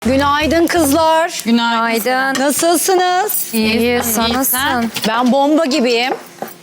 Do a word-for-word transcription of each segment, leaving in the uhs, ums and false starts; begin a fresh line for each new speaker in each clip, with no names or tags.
Günaydın kızlar.
Günaydın.
Nasılsınız?
İyi, sen nasılsın?
Ben bomba gibiyim.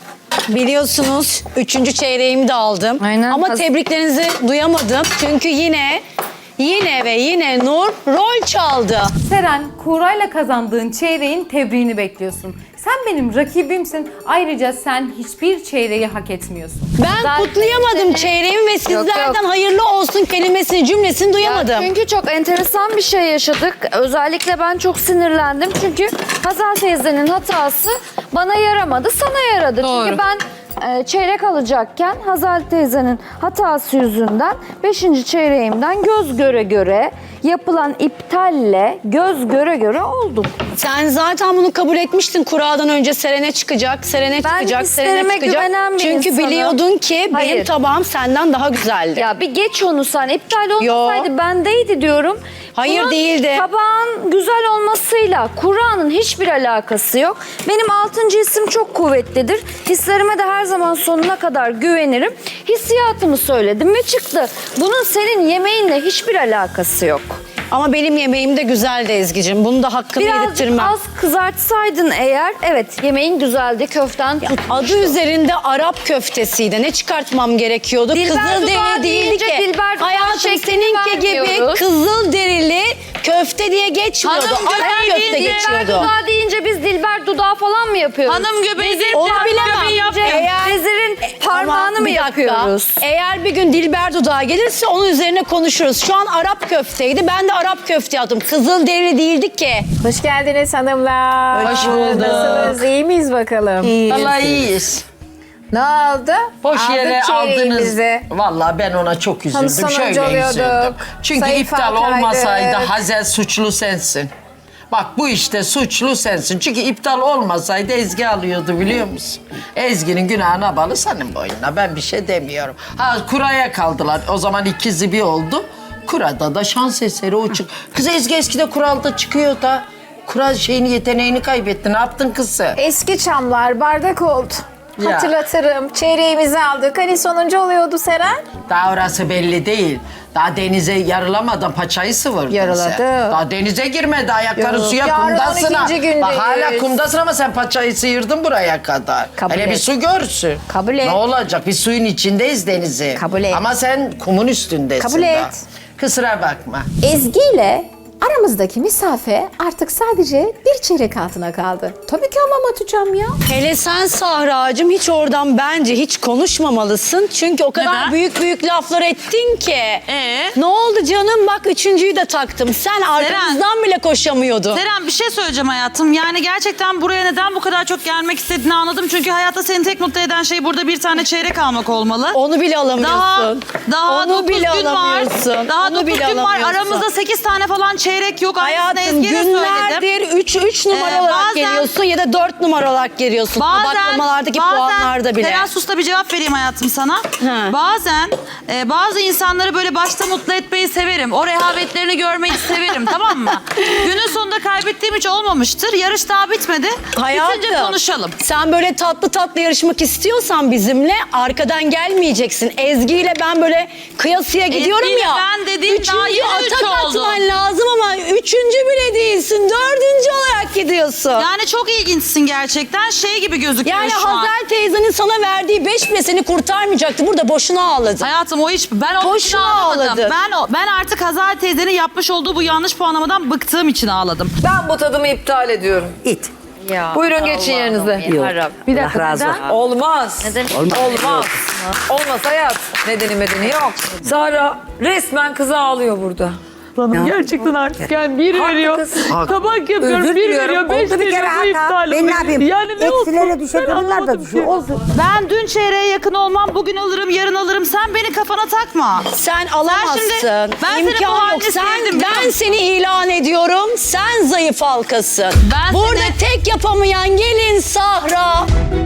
Biliyorsunuz üçüncü çeyreğimi de aldım.
Aynen.
Ama
Haz-
tebriklerinizi duyamadım. Çünkü yine, yine ve yine Nur rol çaldı.
Seren, Kuğra'yla kazandığın çeyreğin tebriğini bekliyorsun. Sen benim rakibimsin. Ayrıca sen hiçbir çeyreği hak etmiyorsun.
Ben
Zaten
kutlayamadım
seni-
çeyreğimi ve sizlerden
yok.
hayırlı olsun kelimesini, cümlesini duyamadım.
Çünkü çok enteresan bir şey yaşadık. Özellikle ben çok sinirlendim. Çünkü Hazal teyzenin hatası bana yaramadı, sana yaradı.
Doğru.
Çünkü ben e, çeyrek alacakken Hazal teyzenin hatası yüzünden beşinci çeyreğimden göz göre göre yapılan iptalle göz göre göre oldum.
Sen zaten bunu kabul etmiştin. Kura'dan önce Seren'e çıkacak, Seren'e
Ben
çıkacak,
hislerime
Seren'e çıkacak.
güvenen bir
Çünkü
insanım.
biliyordun ki benim
Hayır.
tabağım senden daha güzeldi.
Ya bir geç onu sen. İptal olmasaydı bendeydi diyorum.
Hayır,
Bunun
değildi.
Tabağın güzel olmasıyla Kur'an'ın hiçbir alakası yok. Benim altıncı hissim çok kuvvetlidir. Hislerime de her zaman sonuna kadar güvenirim. Hissiyatımı söyledim ve çıktı. Bunun senin yemeğinle hiçbir alakası yok.
Ama benim yemeğim de güzeldi Ezgi'cim. Bunu da hakkını
Birazcık
yedirttirmem.
az kızartsaydın eğer, evet yemeğin güzeldi, köften tutmuştu.
Adı üzerinde Arap köftesiydi. Ne çıkartmam gerekiyordu?
Dilber
Kızıl
dudağı
derili değildi
deyince
ki.
Dilber dudağı
Hayatım
şeklini
seninki gibi
vermiyoruz.
kızıl derili köfte diye geçmiyordu.
Hanım
Arap
göbeği
köfte
değil,
Dilber
geçiyordu.
dudağı deyince biz Dilber dudağı falan mı yapıyoruz?
Hanım göbeği değil,
Onu
hanım
bilemem.
göbeği yapmıyor.
Eğer-
Vezirin parmağını
Ama
mı
bir dakika,
yapıyoruz?
Eğer bir gün Dilber dudağı gelirse onun üzerine konuşuruz. Şu an Arap köfteydi. Ben de Arap köfte yaptım. Kızıl derili değildi ki.
Hoş geldiniz hanımlar.
Hoş bulduk.
Nasılsınız? İyi miyiz bakalım?
Vallahi iyiyiz.
Ne oldu?
Boş
Aldık
yere aldınız.
çeyreğimizi.
Vallahi ben ona çok üzüldüm.
Hani sonuncu
Şöyle
oluyorduk.
üzüldüm. Çünkü
Zayıf
iptal
halkaydık.
olmasaydı Hazel suçlu sensin. Bak bu işte suçlu sensin. Çünkü iptal olmasaydı Ezgi alıyordu biliyor musun? Ezgi'nin günahına bağlı senin boynuna. Ben bir şey demiyorum. Ha kuraya kaldılar. O zaman ikizi bir oldu. Kurada da şans eseri o çık. Kız Ezgi eskide kuralda çıkıyor da. Kura şeyini yeteneğini kaybetti. Ne yaptın kızı?
Eski çamlar bardak oldu.
Ya.
Hatırlatırım. Çeyreğimizi aldık. Hani sonuncu oluyordu Seren?
Daha orası belli değil. Daha denize yarılamadan paçayı sıvırdın
Yarıladı.
sen. Daha denize girmedi. Ayakları
Yok.
suya
Yarın
kumdasın.
on
ha.
ikinci gündeyiz.
Bak hala kumdasın ama sen paçayı sıyırdın buraya kadar.
Kabul
Hele
et.
bir su görsün.
Kabul et.
Ne olacak? Biz suyun içindeyiz denizi.
Kabul et.
Ama sen kumun üstündesin
Kabul
daha.
et.
Kusura bakma.
Ezgi ile aramızdaki mesafe artık sadece bir çeyrek altına kaldı. Tabii ki hamam atacağım ya.
Hele sen Sahra'cığım hiç oradan bence hiç konuşmamalısın. Çünkü o kadar
Neden?
büyük büyük laflar ettin ki.
Ee?
Ne oldu canım? Bak üçüncüyü de taktım. Sen arkamızdan bile koşamıyordun.
Seren bir şey söyleyeceğim hayatım. Yani gerçekten buraya neden bu kadar çok gelmek istediğini anladım. Çünkü hayatta seni tek mutlu eden şey burada bir tane çeyrek almak olmalı.
Onu bile alamıyorsun.
Daha daha
Onu
dokuz
bile
gün var.
alamıyorsun.
Daha
Onu
dokuz
bile
gün var.
alamıyorsun.
Aramızda sekiz tane falan çeyrek yok. Aynısını
Hayatım
Ezgi'ye de söyledim.
günlerdir üç üç numara
Ee,
olarak
bazen-
geliyorsun ya da dört numara olarak geliyorsun. Tabaklamalardaki puanlarda bile.
Seren sus da bir cevap vereyim hayatım sana.
He.
Bazen e, bazı insanları böyle başta mutlu etmeyi severim. O rehavetlerini görmeyi severim tamam mı? Günün sonunda kaybettiğim hiç olmamıştır. Yarış daha bitmedi. Bitince konuşalım.
Sen böyle tatlı tatlı yarışmak istiyorsan bizimle arkadan gelmeyeceksin. Ezgi ile ben böyle kıyasıya gidiyorum
Ezgi'yle
ya.
ben dediğim
üçüncü
daha yeni üç
atak
oldu.
atman lazım ama üçüncü bile değilsin. Dördüncü olarak gidiyorsun.
Yani çok ilginçsin gerçekten. Şey gibi gözüküyor
Yani
şu an.
Hazel teyzenin sana verdiği beş bile seni kurtarmayacaktı. Burada boşuna ağladın.
Hayatım o iş ben o
Boşuna
için ağlamadım.
ağladın.
Ben o, ben artık Hazal teyzenin yapmış olduğu bu yanlış puanlamadan bıktığım için ağladım.
Ben bu tadımı iptal ediyorum. İt.
Ya,
Buyurun geçin yerinize.
Bir dakika
razı
neden?
Olmaz.
Neden?
Olmaz. Olmaz hayat. Nedeni medeni yok. Zara resmen kızı ağlıyor burada.
Gerçekten artık yani bir
Haklı
veriyor,
kız.
tabak yapıyorum,
Özür
bir
diliyorum.
veriyor, beş
Oldu bir
veriyor,
kere
bu iptal
hata. Ben ne
oluyor.
yapayım?
Yani ne olsun?
Eksilere düşer,
Ben
onlar da
anlamadım
düşüyor.
ki.
Olsun.
Ben dün çeyreğe yakın olmam, bugün alırım, yarın alırım. Sen beni kafana takma.
Sen alamazsın.
şimdi- ben senin bu
İmkan yok.
halini
Sen,
sevdim, biliyor
ben
musun?
seni ilan ediyorum. Sen zayıf halkasın.
Ben
Burada
seni-
tek yapamayan gelin Sahra.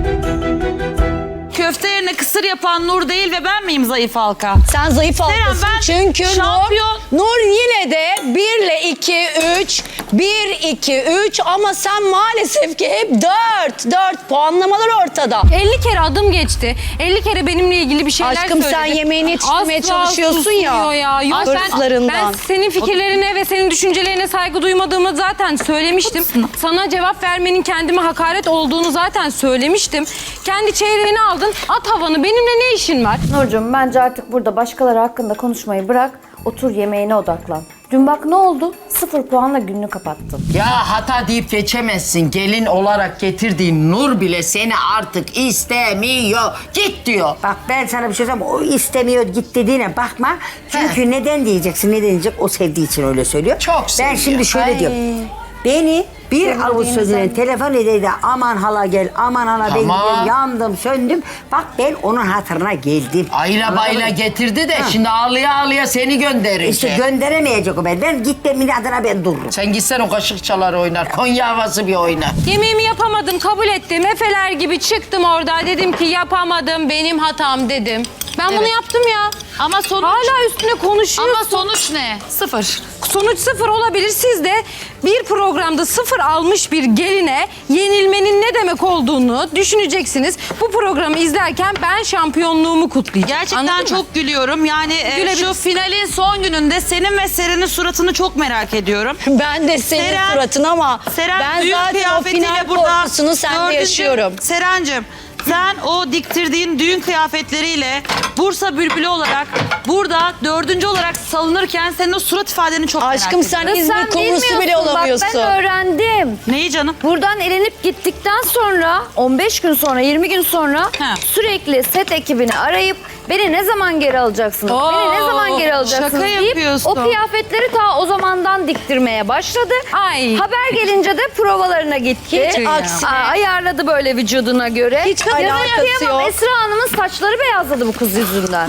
Köfte yerine kısır yapan Nur değil ve ben miyim zayıf halka?
Sen zayıf halkasın
ben
çünkü
şampiyon-
Nur, Nur yine de bir ile iki, üç Bir, iki, üç ama sen maalesef ki hep dört. Dört puanlamalar ortada.
elli kere adım geçti. elli kere benimle ilgili bir şeyler
Aşkım
söyledi.
sen yemeğini yetiştirmeye
Asla
çalışıyorsun ya.
susmuyor ya. Yok, ben,
Hırslarından.
ben senin fikirlerine ve senin düşüncelerine saygı duymadığımı zaten söylemiştim. Sana cevap vermenin kendime hakaret olduğunu zaten söylemiştim. Kendi çeyreğini aldın. At havanı. Benimle ne işin var?
Nurcuğum bence artık burada başkaları hakkında konuşmayı bırak. Otur yemeğine odaklan. Dün bak ne oldu? Sıfır puanla gününü kapattın.
Ya hata deyip geçemezsin. Gelin olarak getirdiğin Nur bile seni artık istemiyor. Git diyor.
Bak ben sana bir şey söyleyeyim. O istemiyor git dediğine bakma. Çünkü neden diyeceksin, ne diyecek? O sevdiği için öyle söylüyor.
Çok
Ben
seviyor.
şimdi şöyle
Ay.
diyorum. Beni bir avuç sözüne telefon edeydi. Aman hala gel, aman hala ben
Tamam.
gidiyorum. Yandım, söndüm. Bak ben onun hatırına geldim.
Ayla
Anladın
bayla
mı?
getirdi de
Ha.
şimdi ağlıya ağlıya seni gönderecek.
İşte gönderemeyecek o ben. Ben git demin adına ben dururum.
Sen gitsen o kaşık çalar oynar. Konya havası bir oynar.
Yemeğimi yapamadım, kabul ettim. Efeler gibi çıktım orada. Dedim ki yapamadım, benim hatam dedim. Ben bunu yaptım ya.
Ama sonuç...
Hala üstüne konuşuyorsun.
Ama sonuç ne? Sıfır.
Sonuç sıfır olabilir. Siz de bir programda sıfır almış bir geline yenilmenin ne demek olduğunu düşüneceksiniz. Bu programı izlerken ben şampiyonluğumu kutlayacağım.
Gerçekten
Anladın mı?
çok gülüyorum. Yani e,
Gülebilirsin.
şu finalin son gününde senin ve Seren'in suratını çok merak ediyorum.
Ben de senin
Seren-
suratın ama
Seren
ben
düğün
zaten o
kıyafetiyle
final
burada
korkusunu sende
dördüncü-
yaşıyorum.
Serencim sen o diktirdiğin düğün kıyafetleriyle Bursa Bülbülü olarak burada dördüncü olarak salınırken senin o surat ifadeni çok merak
Aşkım
ediyorum.
sen
Kız
İzmir
sen
kumrusu bile
bilmiyorsun.
olamıyorsun.
Bak ben öğrendim.
Neyi canım?
Buradan elenip gittikten sonra on beş gün sonra yirmi gün sonra
He.
sürekli set ekibini arayıp beni ne zaman geri alacaksınız?
Oo,
beni ne zaman geri alacaksınız
şaka
deyip
yapıyorsun.
o kıyafetleri ta o zamandan diktirmeye başladı.
Ay.
Haber gelince de provalarına gitti.
Hiç aksine.
Aa, ayarladı böyle vücuduna göre.
Hiç
Kız,
alakası
kıyamam.
yok.
Esra Hanım'ın saçları beyazladı bu kız yüzünden.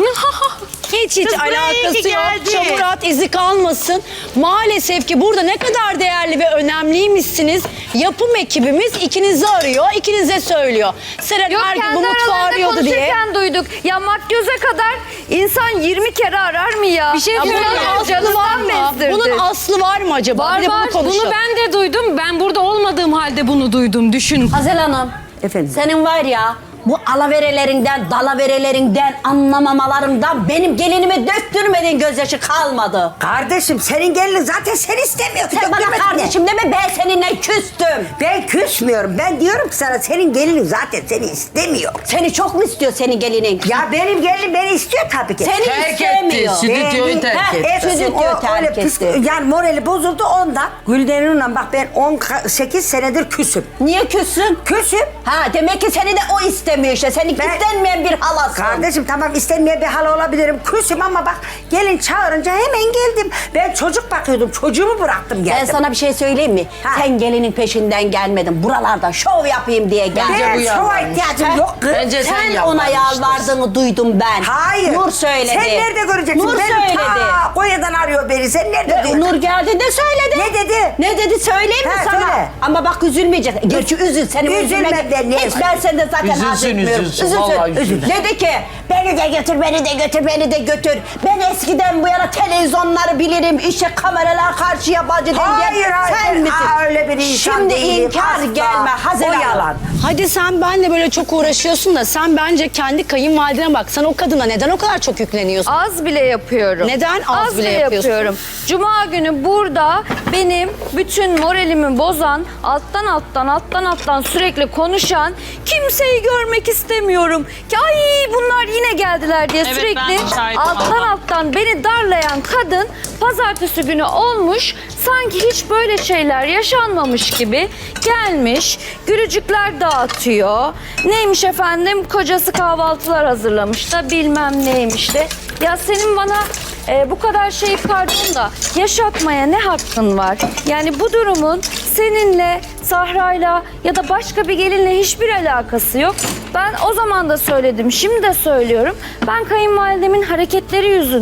Hiç hiç
Kız buraya iyi
alakası
ki
yok.
geldi.
Çamurat izi kalmasın. Maalesef ki burada ne kadar değerli ve önemliymişsiniz. Yapım ekibimiz ikinizi arıyor, ikinize söylüyor. Seren
Yok
her gün bu
kendi
mutfağı
aralarında
arıyordu diye.
konuşurken duyduk. Ya makyöze kadar insan yirmi kere arar mı ya?
Bir şey
Ya bunun
söyleyeyim.
aslı var mı?
bezdirdi.
Bunun aslı var mı acaba?
Var
Bir de
var.
bunu konuşalım.
Bunu ben de duydum. Ben burada olmadığım halde bunu duydum. Düşün.
Hazel Hanım,
Efendim?
senin var ya bu alaverelerinden, dalaverelerinden, anlamamalarımdan benim gelinime döktürmediğin gözyaşı kalmadı.
Kardeşim senin gelinin zaten seni istemiyor.
Sen bana
Döktürmedin de.
kardeşim deme, ben seninle küstüm.
Ben küsmüyorum. Ben diyorum ki sana senin gelinin zaten seni istemiyor.
Seni çok mu istiyor senin gelinin?
Ya benim gelinim beni istiyor tabii ki.
Seni
Terk
istemiyor.
etti. Stüdyoyu terk
Ha,
etti.
evet. Stüdyo
O
terk
öyle pis-
etti.
Yani morali bozuldu ondan. Gülden'inle bak ben on sekiz senedir küsüm.
Niye küssün?
Küsüm.
Ha demek ki seni de o istemiyor işte. Seni
Ben-
istenmeyen bir halasın.
Kardeşim tamam istenmeye bir hal olabilirim. Küsüm ama bak gelin çağırınca hemen geldim. Ben çocuk bakıyordum. Çocuğumu bıraktım geldim.
Ben sana bir şey söyleyeyim mi?
Ha.
Sen gelinin peşinden gelmedin. Buralarda şov yapayım diye geldin.
Bence bu
Ben şova
yalvarmış.
ihtiyacım yok kız.
Bence sen
Sen ona
yalvarmıştın.
yalvardığını duydum ben.
Hayır.
Nur söyledi.
Sen nerede göreceksin?
Nur
Beni
söyledi.
ta Konya'dan arıyor beni. Sen nerede
E,
duydun?
Nur geldi de söyledi.
Ne dedi?
Ne dedi söyleyeyim mi
Ha,
sana?
söyle.
Ama bak üzülmeyeceksin. Gerçi üzül. Seni
Üzülme
üzülmek.
ben, niye
Hiç ben senden zaten
Üzülsün,
haz etmiyorum.
üzülsün, vallahi üzülsün.
Dedi ki beni de götür, beni de götür, beni de götür. Ben eskiden bu yana televizyonları bilirim. İşte kameralar karşı yabancı değil.
Hayır, hayır.
Sen misin?
Aa, öyle bir insan
Şimdi
değilim,
inkar
asla.
gelme Hazel
O
Hanım.
yalan.
Hadi sen benle böyle çok uğraşıyorsun da sen bence kendi kayınvalidene bak. Sen o kadına neden o kadar çok yükleniyorsun?
Az bile yapıyorum.
Neden az bile yapıyorsun?
yapıyorum? Cuma günü burada benim bütün moralimi bozan, alttan alttan alttan alttan sürekli konuşan, kimseyi görmek istemiyorum. Ki ay bunlar yine geldiler diye
Evet,
sürekli
ben de şahidim
alttan
valla.
alttan beni darlayan kadın pazartesi günü olmuş sanki hiç böyle şeyler yaşanmamış gibi gelmiş, gülücükler dağıtıyor. Neymiş efendim, kocası kahvaltılar hazırlamış da bilmem neymiş de. Ya senin bana e, bu kadar şey pardon da yaşatmaya ne hakkın var? Yani bu durumun seninle, Sahra'yla ya da başka bir gelinle hiçbir alakası yok. Ben o zaman da söyledim, şimdi de söylüyorum. Ben kayınvalidemin hareketleri yüzünden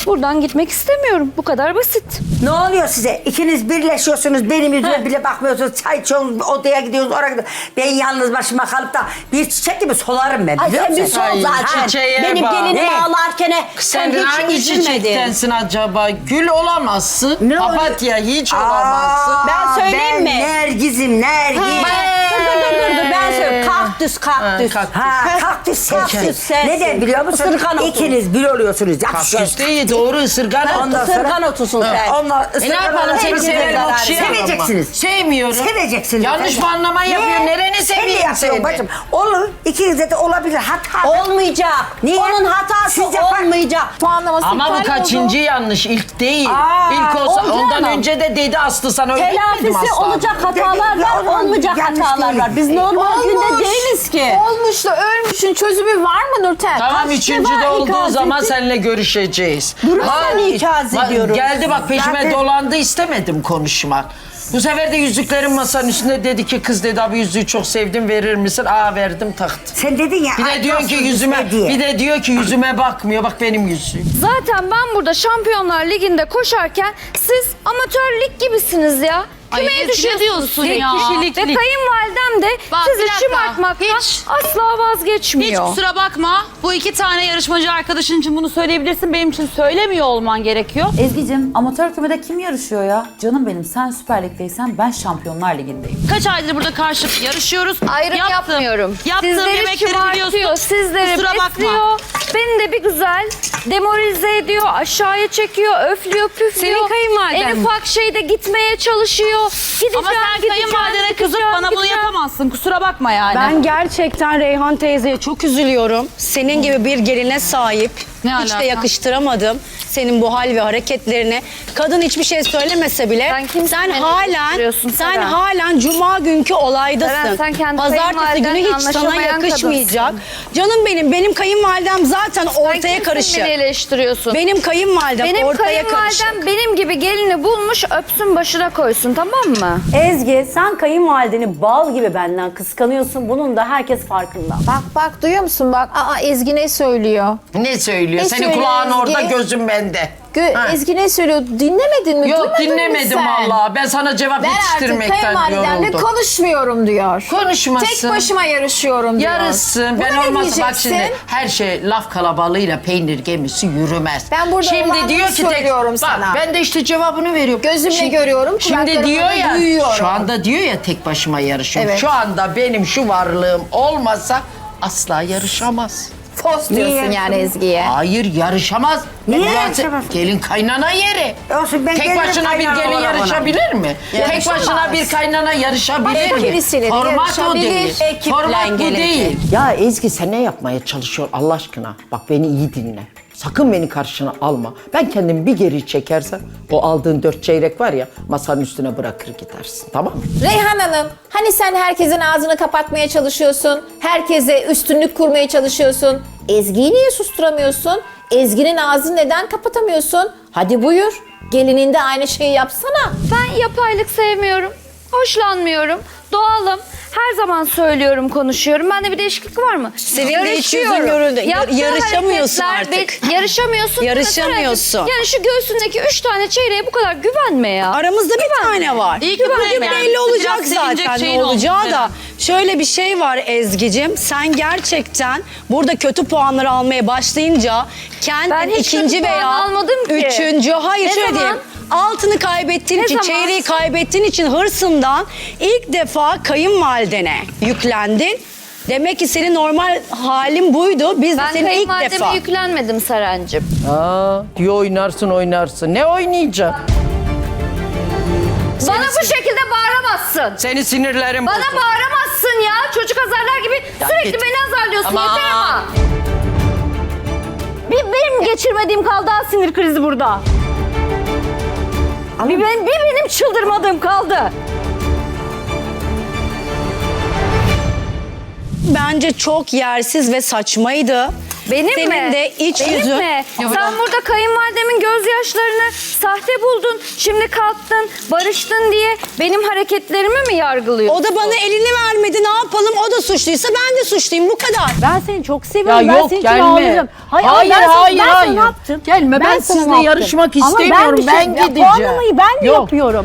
Buradan gitmek istemiyorum. Bu kadar basit.
Ne oluyor size? İkiniz birleşiyorsunuz, benim yüzüme bile bakmıyorsunuz. Çay içiyorsunuz, odaya gidiyorsunuz, oraya gidiyorsunuz. Ben yalnız başıma kalıp da bir çiçek gibi solarım ben.
Ay
biliyor
sen bir
musun?
sol
Ay,
zaten.
çiçeğe
Benim
bak.
gelinimi
Ne?
ağlarken
Sen
sen hiç
hangi
üzülmedin.
çiçektensin acaba? Gül olamazsın.
Ne oluyor?
Papatya hiç
Aa,
olamazsın.
Ben söyleyeyim
ben
mi?
Nergiz'im, Nergiz.
Dur dur dur dur dur ben söyleyeyim. Kaktüs kaktüs.
Ha, kaktüs.
Ha, kaktüs sensin.
Kaktüs sensin.
Neden biliyor musun?
Isırgan otu.
İkiniz bir oluyorsunuz.
Kaktüs değil, doğru ısırgan.
Ondan sonra-
Isırgan otusun sen.
Onlar
E ne yapalım, seni severim, okşayamam ama.
Seveceksiniz.
Sevmiyorum.
Seveceksiniz.
Yanlış
efendim.
anlama yapıyor.
Ne?
Nereni
Sen de
seveyim
yapıyorsun
seni?
bacım. Olur. İkinize de olabilir. Hata.
Olmayacak.
Niye?
Onun hatası
Siz yapar-
olmayacak.
Puanlaması
Ama bu
iptal oldu.
kaçıncı yanlış? İlk değil.
Aa,
İlk olsa
olacak
ondan
ama.
önce de dedi Aslı sana öyle demedim
Telafisi
Aslı.
olacak hatalar
Ya,
var,
o zaman
olmayacak
yanlış
hatalar
değil.
var. Biz normal
Olmuş.
günde değiliz ki.
Olmuş da ölmüşün çözümü var mı Nurten?
Tamam
Kaç
üçüncü de
defa
olduğu
ikaz
zaman
ettin?
seninle görüşeceğiz.
Durun
Ha,
seni ikaz
bak,
ediyorum.
Geldi bak peşime
Zaten-
dolandı istemedim konuşmak. Bu sefer de yüzüklerin masanın üstünde dedi ki kız dedi abi yüzüğü çok sevdim verir misin? Aa verdim taktı.
Sen dedin ya.
Bir
ay,
de diyor ki
nasıl
yüzüme
diye.
bir de diyor ki yüzüme bakmıyor bak benim yüzüğüm.
Zaten ben burada Şampiyonlar Ligi'nde koşarken siz amatör lig gibisiniz ya.
Ay,
Kümeye
Ezgi, ne
düşüyorsunuz.
diyorsun
Tek
ya?
kişilik Ve
Lig.
kayınvalidem de
Bak, bir
sizi
dakika.
şımartmaktan
Hiç-
asla
Hiç
vazgeçmiyor.
kusura bakma. Bu iki tane yarışmacı arkadaşın için bunu söyleyebilirsin. Benim için söylemiyor olman gerekiyor.
Ezgi'cim amatör kümede kim yarışıyor ya? Canım benim sen Süper Lig'deysen ben Şampiyonlar Ligi'ndeyim.
Kaç aydır burada karşılıklı yarışıyoruz.
Ayrım
Yaptım.
yapmıyorum.
Yaptığım
Sizleri
yemekleri
şımartıyor,
biliyorsun.
sizleri
Kusura bakma.
besliyor. Beni de bir güzel demoralize ediyor, aşağıya çekiyor, öflüyor, püflüyor.
Senin kayınvaliden
En
mi?
ufak şeyde gitmeye çalışıyor. Gideceğim,
Ama sen
gideceğim,
kayınvalidene kızıp
gideceğim,
bana bunu
gideceğim.
yapamazsın. Kusura bakma yani.
Ben gerçekten Reyhan teyzeye çok üzülüyorum. Senin gibi bir geline sahip.
Ne
Hiç
alaka?
de yakıştıramadım senin bu hal ve hareketlerini. Kadın hiçbir şey söylemese bile
Sen kimsin
sen
beni
halen
eleştiriyorsun
sen
Seren?
halen cuma günkü olaydasın.
Seren, sen kendi
Pazartesi günü
kayınvalidenle
hiç sana
anlaşamayan
yakışmayacak. Canım benim benim kayınvalidem zaten
Sen
ortaya
kimsin
karışık.
beni eleştiriyorsun?
Benim kayınvalidem
Benim
ortaya karışık.
kayınvalidem benim gibi gelini bulmuş öpsün başına koysun, tamam mı?
Ezgi sen kayınvalideni bal gibi benden kıskanıyorsun. Bunun da herkes farkında.
Bak bak duyuyor musun bak. Aa Ezgi ne söylüyor?
Ne söylüyor?
Ne
Senin
söylüyor
kulağın
Ezgi?
orada gözün bende.
Gö-
Ha.
Ezgi ne söylüyor? Dinlemedin mi?
Yok
Duymadın mı
dinlemedim
sen?
vallahi. Ben sana cevap
Ben artık
yetiştirmekten
kayınvalidemle
yoruldum.
konuşmuyorum diyor.
Konuşmasın.
Tek başıma yarışıyorum diyor.
Yarışsın. Ben
Buna ne
olmazsa bak
diyeceksin?
şimdi her şey laf kalabalığıyla peynir gemisi yürümez.
Ben burada
şimdi
olanları
diyor ki tek,
söylüyorum
bak,
sana.
ben de işte cevabını veriyorum.
Gözümle görüyorum,
Şimdi
kulaklarımla
diyor
da
ya
duyuyorum.
şu anda diyor ya tek başıma yarışıyorum.
Evet.
Şu anda benim şu varlığım olmasa asla yarışamaz.
Fos diyorsun
Niye?
yani Ezgi'ye.
Hayır yarışamaz.
Niye
Burası
yarışamaz?
Gelin kaynana yeri.
Olsun, ben
Tek
gelinim
başına bir
kaynana
gelin
olarak ona.
yarışabilir mi? Tek
Yarışamaz.
başına bir kaynana yarışabilir
Başka
mi?
birisiyle de
Format o
yarışabilir.
değil.
Ekiple
Format bu
gelecek.
değil. Ya Ezgi sen ne yapmaya çalışıyorsun Allah aşkına? Bak beni iyi dinle. Sakın beni karşına alma. Ben kendimi bir geri çekersem o aldığın dört çeyrek var ya masanın üstüne bırakır gidersin tamam mı?
Reyhan Hanım, hani sen herkesin ağzını kapatmaya çalışıyorsun, herkese üstünlük kurmaya çalışıyorsun. Ezgi'yi niye susturamıyorsun? Ezgi'nin ağzını neden kapatamıyorsun? Hadi buyur, gelinin de aynı şeyi yapsana.
Ben yapaylık sevmiyorum, hoşlanmıyorum, doğalım. Her zaman söylüyorum, konuşuyorum. Bende bir değişiklik var mı?
Senin de hiç yüzün
Yarışıyorum.
görüldü. Yar-
Yaptığı
yarışamıyorsun
hareketler
artık.
be- yarışamıyorsun.
Yarışamıyorsun.
Yani şu göğsündeki üç tane çeyreğe bu kadar güvenme ya.
Aramızda bir tane var.
İyi ki buraya
Bugün
gelmişsin.
belli olacak
Biraz sevinecek
zaten ne
şeyin
olacağı
olmuş
da.
senin.
Şöyle bir şey var Ezgi'cim. Sen gerçekten burada kötü puanları almaya başlayınca kendin
Ben hiç
ikinci
kötü puan
veya
almadım ki.
üçüncü hayır
Ne
şöyle
zaman?
diyeyim. Altını kaybettiğin
Ne
için,
zaman?
çeyreği kaybettiğin için hırsından ilk defa kayınvalidene yüklendin. Demek ki senin normal halin buydu. Biz de
Ben
senin ilk defa.
kayınvalideme yüklenmedim Serencim.
Aa, diyor oynarsın oynarsın. Ne oynayacak?
Bana bu şekilde bağıramazsın.
Seni sinirlerim
Bana
bozuldu.
bağıramazsın ya. Çocuk azarlar gibi
Ya
sürekli
git.
beni azarlıyorsun.
Aman.
Yeter ama. Bir benim geçirmediğim kaldı ha, sinir krizi burada. Bir, ben, bir benim çıldırmadığım kaldı.
Bence çok yersiz ve saçmaydı.
Benim
Senin
mi?
de iç
Benim
yüzün.
mi? Sen burada kayınvalidemin gözyaşlarını sahte buldun. Şimdi kalktın, barıştın diye benim hareketlerimi mi yargılıyorsun?
O da bana elini vermedi. Ne yapalım? O da suçluysa ben de suçluyum. Bu kadar. Ben seni çok seviyorum.
Ya
ben
yok,
senin için
gelme.
ağlayacağım.
Hayır,
ama ben sana-
hayır,
ben sana
hayır.
ne yaptım?
Gelme, ben
sana
sizinle
ne yaptım?
yarışmak
Ama
istemiyorum,
bir şey-
ben
ya
gideceğim.
puanlamayı ben mi
Yok.
yapıyorum?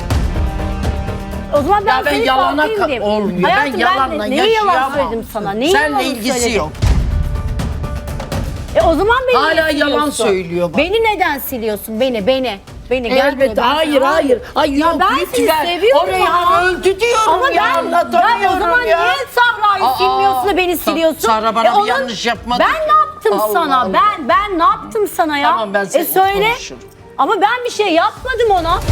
O zaman ben,
Ya ben
seni
yalana
farklıyım
ka-
diyeyim.
olmuyor.
Hayatım,
Ben yalanla
ne- Neyi yalan
yaşayamam.
söyledim sana? Neyi
Seninle
yalan
ilgisi
söyledim?
yok.
E o zaman beni
Hala
niye
yalan
siliyorsun?
söylüyor bak.
Beni neden siliyorsun? Beni, beni. Beni gel
Elbette,
buraya. Ben
hayır,
sana-
hayır. Ay
Ya
yok,
ben seni
lütfen.
seviyorum
Orayı
ama.
öldü diyorum
ama
ya,
ben, ben o
anlatamıyorum
zaman
ya.
niye Sahra'yı
Aa,
silmiyorsun da beni
Sa-
siliyorsun?
Sahra bana bir
onun-
yanlış yapmadı
Ben
ki.
ne yaptım
Allah
sana?
Allah.
Ben ben ne yaptım sana ya?
Tamam, ben
E
seninle
söyle.
konuşurum.
Ama ben bir şey yapmadım ona.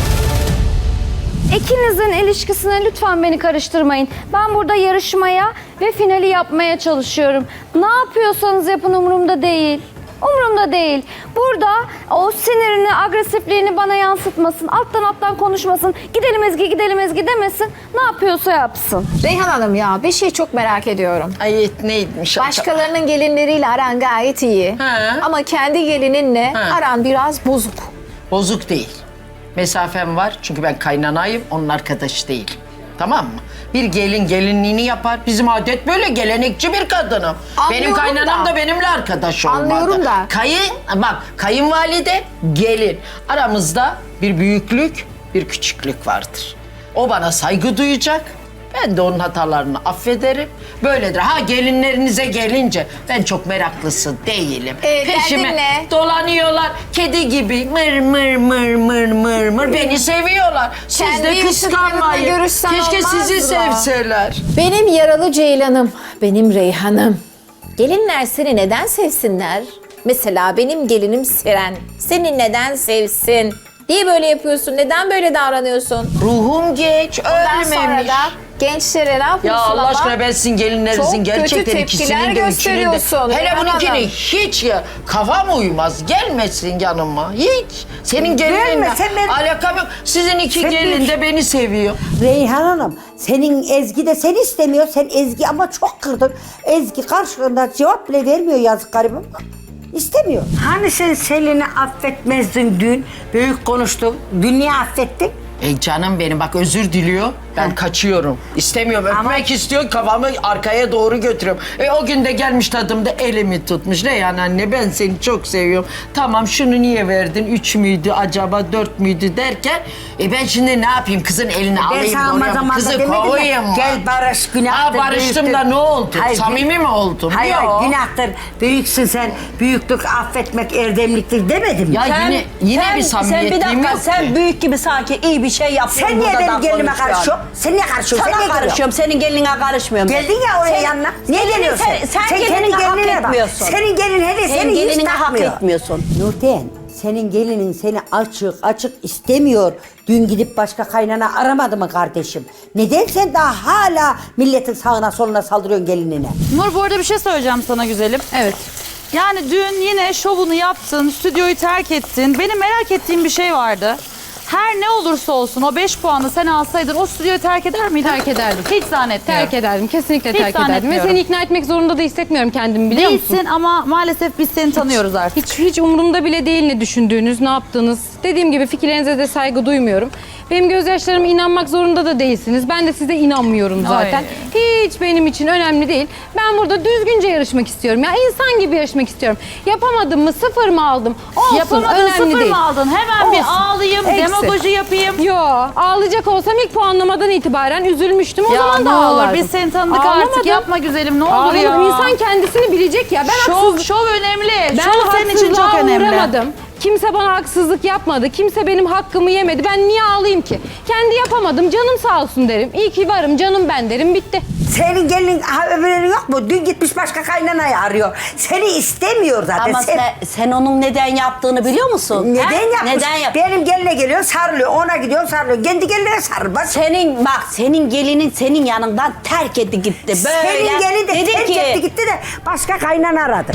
İkinizin ilişkisine lütfen beni karıştırmayın. Ben burada yarışmaya ve finali yapmaya çalışıyorum. Ne yapıyorsanız yapın, umurumda değil. Umurumda değil. Burada o sinirini, agresifliğini bana yansıtmasın. Alttan alttan konuşmasın. Gidelim Ezgi, gidelim Ezgi demesin. Ne yapıyorsa yapsın.
Reyhan Hanım ya bir şey çok merak ediyorum.
Ay neymiş?
Başkalarının gelinleriyle aran gayet iyi.
He.
Ama kendi gelininle
He.
aran biraz bozuk.
Bozuk değil. Mesafem var çünkü ben kaynanayım, onun arkadaşı değil. Tamam mı? Bir gelin gelinliğini yapar. Bizim adet böyle, gelenekçi bir kadınım.
Anlıyorum
benim kaynanam
da.
da benimle arkadaş olmadı.
Anlıyorum da.
Kayın, bak kayınvalide, gelin. Aramızda bir büyüklük, bir küçüklük vardır. O bana saygı duyacak. Ben de onun hatalarını affederim. Böyledir. Ha gelinlerinize gelince ben çok meraklısı değilim.
Ee,
Peşime
derdin ne?
dolanıyorlar. Kedi gibi mır mır mır mır mır mır beni seviyorlar. Siz
Kendi
de
yaşıtlarınla
kıskanmayın.
görüşsen
Keşke
olmaz
sizi
mı?
sevseler.
Benim yaralı ceylanım, benim Reyhan'ım. Gelinler seni neden sevsinler? Mesela benim gelinim Seren. Seni neden sevsin? Niye böyle yapıyorsun? Neden böyle davranıyorsun?
Ruhum geç,
Ondan sonra
ölmemiş.
da gençlere ne yapıyorsun
Ya Allah
ama?
aşkına ben sizin gelinlerinizin
Çok
gerçekten
kötü tepkiler
ikisinin de üçünün de.
gösteriyorsun
Hele
Reyhan
bununkini
Hanım.
hiç ya kafam uymaz. Gelmesin yanıma hiç. Senin gelininle
Gelme, sen ben-
alakam yok. Sizin iki
Sen
gelin
bir-
de beni seviyor.
Reyhan Hanım, senin Ezgi de seni istemiyor. Sen Ezgi ama çok kırdın. Ezgi karşılığında cevap bile vermiyor, yazık garibim. İstemiyor. Hani sen Selin'i affetmezdin dün? Büyük konuştun. Dün niye affettin?
E canım benim bak özür diliyor. Ben kaçıyorum. İstemiyorum. Öpmek istiyor. Kafamı arkaya doğru götürüyorum. E o gün de gelmiş tadımda elimi tutmuş. Reyhan anne ben seni çok seviyorum. Tamam şunu niye verdin? Üç müydü acaba dört müydü derken. E ben şimdi ne yapayım? Kızın elini
Ben
alayım
sana
da oraya mı?
zamanda
Kızı
demedim mi?
kovayım mı?
Gel barış, günahtır.
Ha barıştım
büyüktür.
da ne oldu?
Hayır,
Samimi mi oldum?
Hayır,
Yok.
hayır, günahtır. Büyüksün sen. Büyüklük affetmek erdemliktir demedim mi?
Ya yine yine bir
sen bir
samimiyetliğim
dakika
yok
sen
ki.
büyük gibi sanki iyi bir şey yapıyorsun.
Sen niye
burada
benim
da
gelinime
konuşuyorsun.
karışıyorsun? Sen niye karışıyorsun?
Sana
sen niye
karışıyorum, senin gelinine karışmıyorum. ben.
Geldin ya oraya
Sen-
yanına. Niye
senin-
geliyorsun?
Sen, sen,
kendi
gelinine hak
gelinine bak.
etmiyorsun.
Senin gelin hele
Senin
seni hiç
gelinine hak
takmıyor.
etmiyorsun.
Nurten, senin gelinin seni açık açık istemiyor. Dün gidip başka kaynana aramadı mı kardeşim? Neden sen daha hala milletin sağına soluna saldırıyorsun gelinine?
Nur bu arada bir şey söyleyeceğim sana güzelim.
Evet.
Yani dün yine şovunu yaptın, stüdyoyu terk ettin. Benim merak ettiğim bir şey vardı. Her ne olursa olsun o beş puanı sen alsaydın o stüdyoyu terk eder miydin?
Terk ederdim.
Hiç zannetmiyorum.
Terk ederdim. Kesinlikle
Hiç
terk ederdim. Ve
zannetmiyorum.
seni ikna etmek zorunda da hissetmiyorum kendimi, biliyor musun?
Değilsin ama maalesef biz seni tanıyoruz artık.
Hiç hiç umurumda bile değil ne düşündüğünüz, ne yaptığınız. Dediğim gibi fikirlerinize de saygı duymuyorum. Benim gözyaşlarıma inanmak zorunda da değilsiniz. Ben de size inanmıyorum zaten. Hiç benim için önemli değil. Ben burada düzgünce yarışmak istiyorum. Ya insan gibi yarışmak istiyorum. Yapamadım mı, sıfır mı aldım? Olsun,
Yapamadın,
önemli
sıfır
değil.
mı aldın? Hemen bir
Olsun.
ağlayayım,
Eksi.
demagoji yapayım.
Yo, ağlayacak olsam ilk puanlamadan itibaren üzülmüştüm. O
Ya
zaman da
ne olur
ağlardım.
biz seni tanıdık
Ağlamadım.
artık, yapma güzelim, ne olur
Ağlamadım.
ya.
İnsan kendisini bilecek ya. Ben
Şov,
haksızlık...
şov önemli.
Ben
şov senin için çok
haksızlığa
önemli.
uğramadım. Kimse bana haksızlık yapmadı. Kimse benim hakkımı yemedi. Ben niye ağlayayım ki? Kendi yapamadım. Canım sağ olsun derim. İyi ki varım. Canım ben derim. Bitti.
Senin gelinin haberin yok mu? Dün gitmiş başka kaynanayı arıyor. Seni istemiyor zaten.
Ama
Sen-
sen, sen onun neden yaptığını biliyor musun?
Neden
Ha?
yapmış?
Neden yap?
Benim geline geliyor sarılıyor, ona gidiyor sarılıyor. Kendi geline sarıl. Bak.
Senin bak senin gelinin senin yanından terk etti gitti. Böyle.
Senin gelin de
Dedi
terk
ki,
etti gitti de başka kaynana aradı.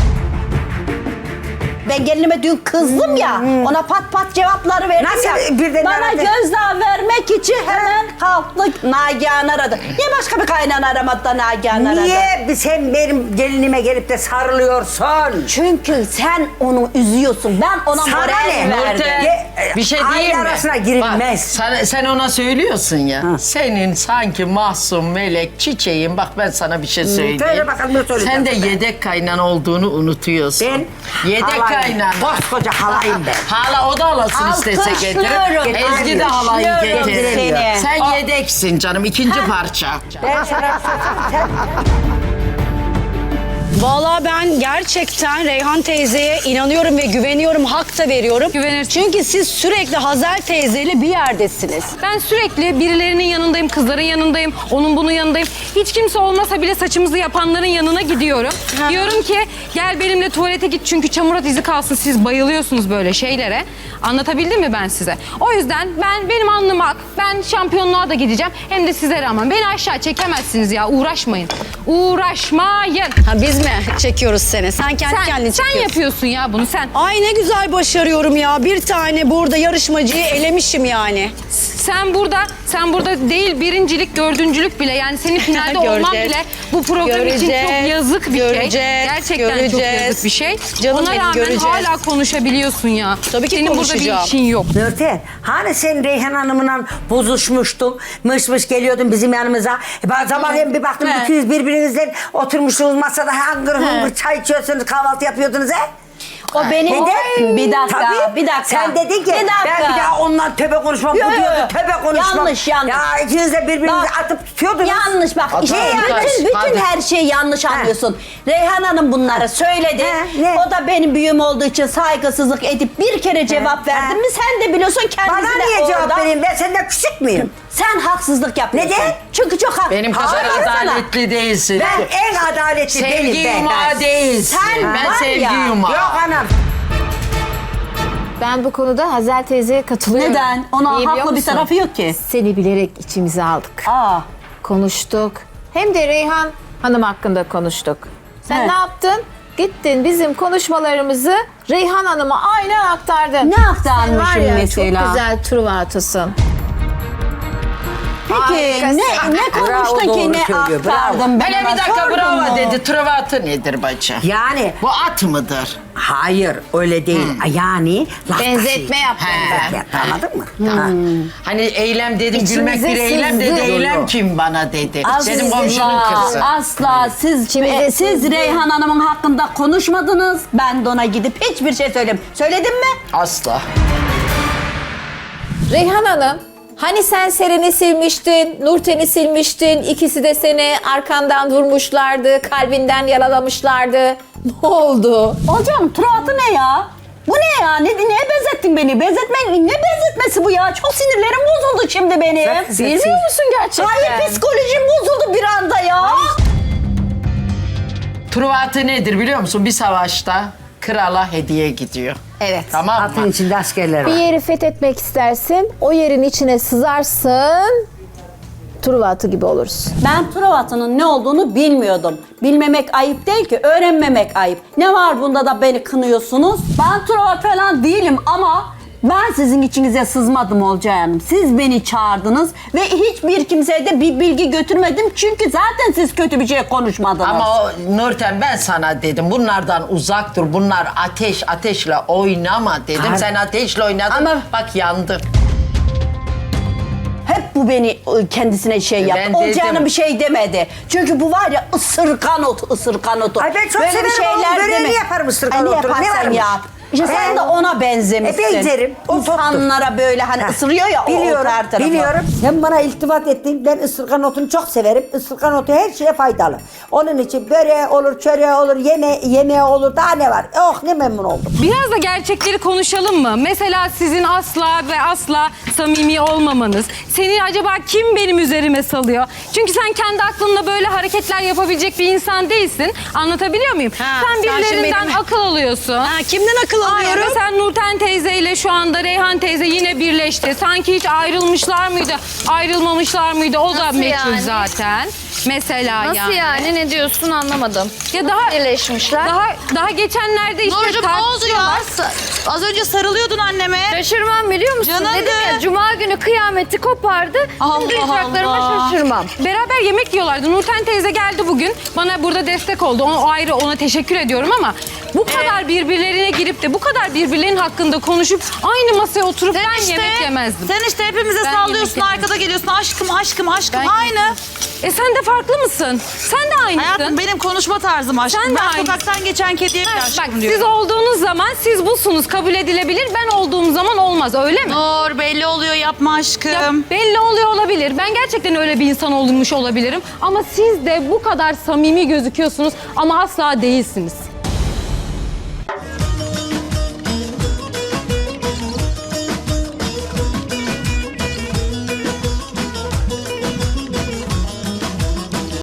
Ben gelinime dün kızdım ya. Ona pat pat cevapları verdim
Nasıl
ya.
birden
Bana
aradı?
gözdağı vermek için hemen kalktı Nagihan aradı. Niye başka bir kaynana aramadı da Nagihan aradı?
Niye sen benim gelinime gelip de sarılıyorsun?
Çünkü sen onu üzüyorsun. Ben ona
Sana
moral
ne?
verdim.
Nurten,
Ye-
bir şey
aile
diyeyim mi?
arasına girilmez.
Bak, sen, sen ona söylüyorsun ya. Senin sanki masum melek çiçeğin. Bak ben sana bir şey söyleyeyim.
söyle bakalım, ne söyleyeceksin
Sen de
sen?
yedek kaynan olduğunu unutuyorsun.
Ben
yedek
halayım.
kaynan.
Koskoca halayım ben.
Hala o da halasını istese getirir.
Alkışlıyorum.
Ezgi de halayı
Alkışlıyorum
getirir.
seni.
Sen yedeksin canım, ikinci parça.
Ben sana sen
Vallahi ben gerçekten Reyhan teyzeye inanıyorum ve güveniyorum, hak da veriyorum.
Güvenirsin.
Çünkü siz sürekli Hazel teyzeyle bir yerdesiniz.
Ben sürekli birilerinin yanındayım, kızların yanındayım, onun bunun yanındayım. Hiç kimse olmasa bile saçımızı yapanların yanına gidiyorum. Diyorum ki gel benimle tuvalete git çünkü çamurat izi kalsın. Siz bayılıyorsunuz böyle şeylere. Anlatabildim mi ben size? O yüzden ben benim alnım ak. Ben şampiyonluğa da gideceğim. Hem de size rağmen. Beni aşağı çekemezsiniz ya. Uğraşmayın. Uğraşmayın.
Ha, biz mi çekiyoruz seni? Sen kendi
Sen,
kendini
sen
çekiyorsun.
yapıyorsun ya bunu sen.
Ay ne güzel başarıyorum ya. Bir tane burada yarışmacıyı elemişim yani.
Sen burada, sen burada değil birincilik, dördüncülük bile yani senin finalde olman
Göreceğiz.
bile bu program için
Göreceğiz.
çok yazık bir
Göreceğiz.
şey. Gerçekten çok
Göreceğiz.
yazık bir şey.
Canım
Ona
benim,
rağmen
göreceğiz.
hala konuşabiliyorsun ya.
Tabii ki
senin burada
konuşacağım.
bir işin yok.
Nurten, hani sen Reyhan Hanım'la bozuşmuştun, mış mış geliyordun bizim yanımıza. E ben sabahleyin bir baktım,
He.
ikiniz birbirinizle oturmuşsunuz masada, hangır hungır çay içiyorsunuz, kahvaltı yapıyordunuz he?
O benim...
Neden?
Bir dakika,
Tabii.
bir dakika.
Sen dedin ki
Bir dakika.
ben bir daha ondan töbe konuşmam,
Yo,
bu
yo,
diyordu
yo.
töbe konuşmam.
Yanlış, yanlış.
Ya ikiniz de birbirinizi
Bak,
atıp tutuyordunuz.
Yanlış bak.
Hadi,
işte
hadi,
bütün bütün
hadi.
her şeyi yanlış anlıyorsun. Reyhan Hanım bunları söyledi.
He, ne?
O da benim büyüğüm olduğu için saygısızlık edip bir kere cevap
he.
verdin mi sen de biliyorsun kendisi
Bana
de
niye cevap
orada.
vereyim? Ben senden küçük müyüm?
Sen haksızlık yapıyorsun.
Neden?
Çünkü çok hak.
Benim kadar
Hayır sana.
adaletli değilsin.
Ben en adaletli
Sevgi
değilim ben.
yumağı değilsin.
Sen
ben
var
sevgi
ya.
yumağı.
Yok anam.
Ben bu konuda Hazel teyzeye katılıyorum.
Neden? Ona
Niye biliyor
haklı bir
musun?
tarafı yok ki.
Seni bilerek içimize aldık.
Aa.
Konuştuk. Hem de Reyhan Hanım hakkında konuştuk. Sen
Evet.
ne yaptın? Gittin bizim konuşmalarımızı Reyhan Hanım'a aynen aktardın.
Ne aktarmışım
Sen var ya,
mesela?
çok güzel Truva atısın.
Peki
Harikasın.
ne, ne konuştun
Bravo,
ki
doğru
ne
söylüyor, bravo.
aktardın ben
Hele
ona
bir dakika
sordum
bravo
mu?
dedi. Travatı nedir bacı?
Yani
Bu at mıdır?
hayır öyle değil. Yani laf
Benzetme
taşıyıcı.
yaptım ben.
Yaptı, anladın mı? Ha.
Hani eylem dedim,
İçimize
gülmek bir eylem dedi.
sızdı.
Eylem kim bana dedi. Dedim komşunun
Asla,
kızı.
asla siz
İçimize
e, siz
sızdı.
Reyhan Hanım'ın hakkında konuşmadınız. Ben de ona gidip hiçbir şey söyledim. Söyledim mi?
Asla.
Reyhan Hanım, hani sen Seren'i silmiştin, Nurten'i silmiştin, ikisi de seni arkandan vurmuşlardı, kalbinden yaralamışlardı. Ne oldu?
Hocam Turat'ı ne ya? Bu ne ya? Ne, neye benzettin beni? Benzetme, ne benzetmesi bu ya? Çok sinirlerim bozuldu şimdi benim.
Sen-
Bilmiyor musun gerçekten? Hayır psikolojim bozuldu bir anda ya.
Truvatı nedir biliyor musun? Bir savaşta krala hediye gidiyor.
Evet.
Tamam
Atın
mı?
içinde askerler
Bir
var.
yeri fethetmek istersin, o yerin içine sızarsın, Truva atı gibi olursun.
Ben Turat'ın ne olduğunu bilmiyordum. Bilmemek ayıp değil ki, öğrenmemek ayıp. Ne var bunda da beni kınıyorsunuz? Ben Turat falan değilim ama ben sizin içinize sızmadım Olcay Hanım. Siz beni çağırdınız ve hiçbir kimseye de bir bilgi götürmedim. Çünkü zaten siz kötü bir şey konuşmadınız.
Ama o Nurten ben sana dedim bunlardan uzak dur. Bunlar ateş ateşle oynama dedim.
Har-
Sen ateşle oynadın.
Ama-
Bak yandın.
Hep bu beni e, kendisine şey yaptı.
Ben
Olcay
dedim.
Hanım bir şey demedi. Çünkü bu var ya ısırgan otu, ısırgan otu.
Ay ben çok severim oğlum, böreğini yaparım ısırgan
Ay, ne
otunu, ne
yaparsan
varmış?
yap. İşte sen
He.
de ona benzemişsin.
E, benzerim, o toptur.
İnsanlara böyle hani
Ha.
ısırıyor ya
Biliyorum,
o her tarafı.
biliyorum. Sen bana iltifat ettin. Ben ısırgan otunu çok severim. Isırgan otu her şeye faydalı. Onun için böreği olur, çöreği olur, yeme yemeği olur. Daha ne var? Oh ne memnun oldum.
Biraz da gerçekleri konuşalım mı? Mesela sizin asla ve asla samimi olmamanız. Seni acaba kim benim üzerime salıyor? Çünkü sen kendi aklınla böyle hareketler yapabilecek bir insan değilsin. Anlatabiliyor muyum?
Ha,
sen
sen
birilerinden
şimdi benim-
akıl alıyorsun.
Ha, kimden akıl
Aynen,
alıyorum?
ve sen Nurten teyzeyle şu anda Reyhan teyze yine birleşti. Sanki hiç ayrılmışlar mıydı? Ayrılmamışlar mıydı? O da
Nasıl
meçhul
yani?
zaten. Mesela
Nasıl yani? Ne diyorsun anlamadım.
Ya daha
Birleşmişler.
daha daha geçenlerde işte
Nurcuğum ne oldu
tartışıyorlar.
ya? Az önce sarılıyordun anneme.
Şaşırmam biliyor musun?
Canındı.
Dedim ya cuma günü kıyameti kopardı.
Allah
Şimdi yapraklarıma
Allah.
şaşırmam.
Beraber yemek yiyorlardı. Nurten teyze geldi bugün. Bana burada destek oldu. O ayrı, ona teşekkür ediyorum ama bu kadar birbirlerine girip de bu kadar birbirlerinin hakkında konuşup aynı masaya oturup
Sen
ben
işte,
yemek yemezdim.
Sen işte hepimize
Ben
sallıyorsun,
yemek
arkada geliyorsun. Aşkım, aşkım, aşkım.
Ben-
Aynı.
E sen de farklı mısın? Sen de aynısın.
Hayatım benim konuşma tarzım aşkım.
Sen de
ben
aynısın.
sokaktan geçen kediye bile
Ha,
aşkım
bak
diyorum.
siz olduğunuz zaman siz busunuz, kabul edilebilir. Ben olduğum zaman olmaz, öyle mi?
Nur belli oluyor, yapma aşkım.
Ya belli oluyor olabilir. Ben gerçekten öyle bir insan olmuş olabilirim. Ama siz de bu kadar samimi gözüküyorsunuz ama asla değilsiniz.